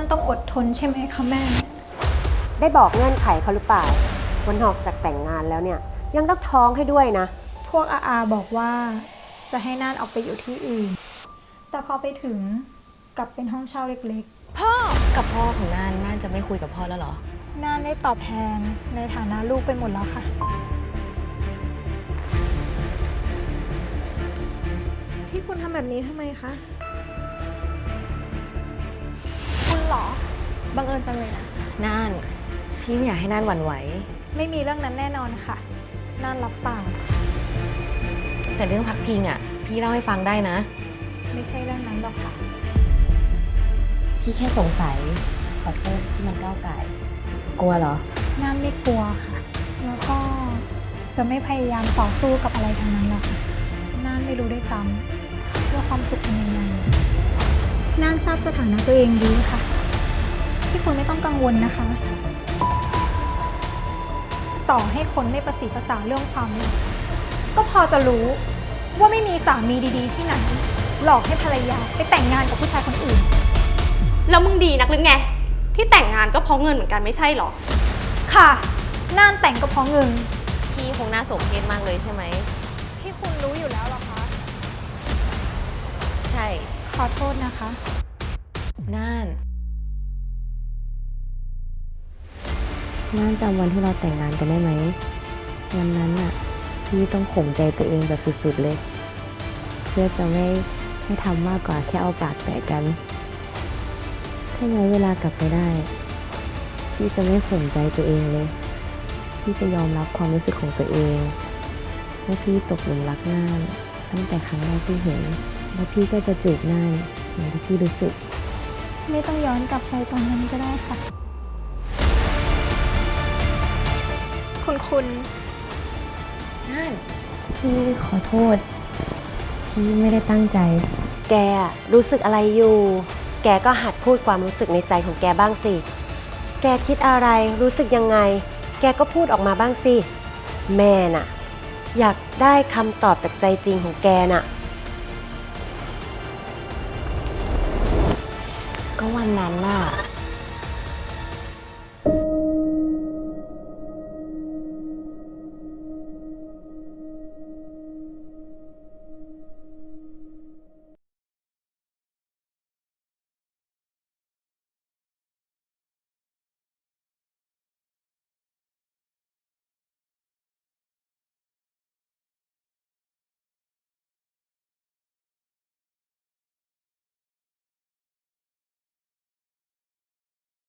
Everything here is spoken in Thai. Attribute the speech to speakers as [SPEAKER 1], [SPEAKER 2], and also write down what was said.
[SPEAKER 1] านต้องอดทนใช่ไหมคะแม่
[SPEAKER 2] ได้บอกเงื่อนไขเขาหรือเปล่าวันนอกจากแต่งงานแล้วเนี่ยยังต้องท้องให้ด้วยนะ
[SPEAKER 1] พวกอาบอกว่าจะให้น่านออกไปอยู่ที่อื่นแต่พอไปถึงกลับเป็นห้องเช่าเล็กๆพ่อ
[SPEAKER 3] กับพ่อของน่านจะไม่คุยกับพ่อแล้วเหรอ
[SPEAKER 1] น่านได้ตอบแทนในฐานะลูกไปหมดแล้วค่ะพี่คุณทำแบบนี้ทำไมคะคุณเหรอบังเอิญจังเลยนะ
[SPEAKER 3] น่านพี่ไม่อยากให้น่านหวั่นไหว
[SPEAKER 1] ไม่มีเรื่องนั้นแน่นอนค่ะน่านรับปาก
[SPEAKER 3] แต่เรื่องพักพิงอ่ะพี่เล่าให้ฟังได้นะ
[SPEAKER 1] ไม่ใช่เรื่องนั้นหรอกค่ะ
[SPEAKER 3] พี่แค่สงสัยขอโทษที่มันก้าวไก่กลัวเหรอ
[SPEAKER 1] น่านไม่กลัวค่ะแล้วก็จะไม่พยายามต่อสู้กับอะไรทั้งนั้นหรอกค่ะน่านไม่รู้ด้วยซ้ำว่าความสุขเป็นยังไงน่านทราบสถานะตัวเองดีค่ะที่คุณไม่ต้องกังวลนะคะต่อให้คนไม่ประสีภาษาเรื่องความรักก็พอจะรู้ว่าไม่มีสามีดีๆที่ไหนหลอกให้ภรรยาไปแต่งงานกับผู้ชายคนอื่น
[SPEAKER 4] แล้วมึงดีนักหรือไงที่แต่งงานก็เพราะเงินเหมือนกันไม่ใช่หรอ
[SPEAKER 1] ค่ะน่านแต่งก็เพราะเงิน
[SPEAKER 3] พี่คงน่าสมเพชมากเลยใช่ไหม
[SPEAKER 1] ที่คุณรู้อยู่แล้วหรอคะ
[SPEAKER 3] ใช่
[SPEAKER 1] ขอโทษนะคะ
[SPEAKER 3] น่านจำวันที่เราแต่งงานกันได้ไหมวันนั้นน่ะพี่ต้องข่มใจตัวเองแบบสุดๆเลยเพื่อจะไม่ทำมากกว่าแค่เอาปากแตะกันถ้าย้อนเวลากลับไปได้พี่จะไม่ข่มใจตัวเองเลยพี่จะยอมรับความรู้สึกของตัวเองว่าพี่ตกหลุมรักน่านตั้งแต่ครั้งแรกที่เห็นแล้วพี่ก็จะจูบน่านอย่างที่พี่รู้สึก
[SPEAKER 1] ไม่ต้องย้อนกลับไปตอนนั้นก็ได้ค่ะคุณ
[SPEAKER 3] น่านพี่ขอโทษพี่ไม่ได้ตั้งใจ
[SPEAKER 2] แกรู้สึกอะไรอยู่แกก็หัดพูดความรู้สึกในใจของแกบ้างสิแกคิดอะไรรู้สึกยังไงแกก็พูดออกมาบ้างสิแม่น่ะอยากได้คำตอบจากใจจริงของแกน่ะ
[SPEAKER 3] ก็วันนั้นน่ะ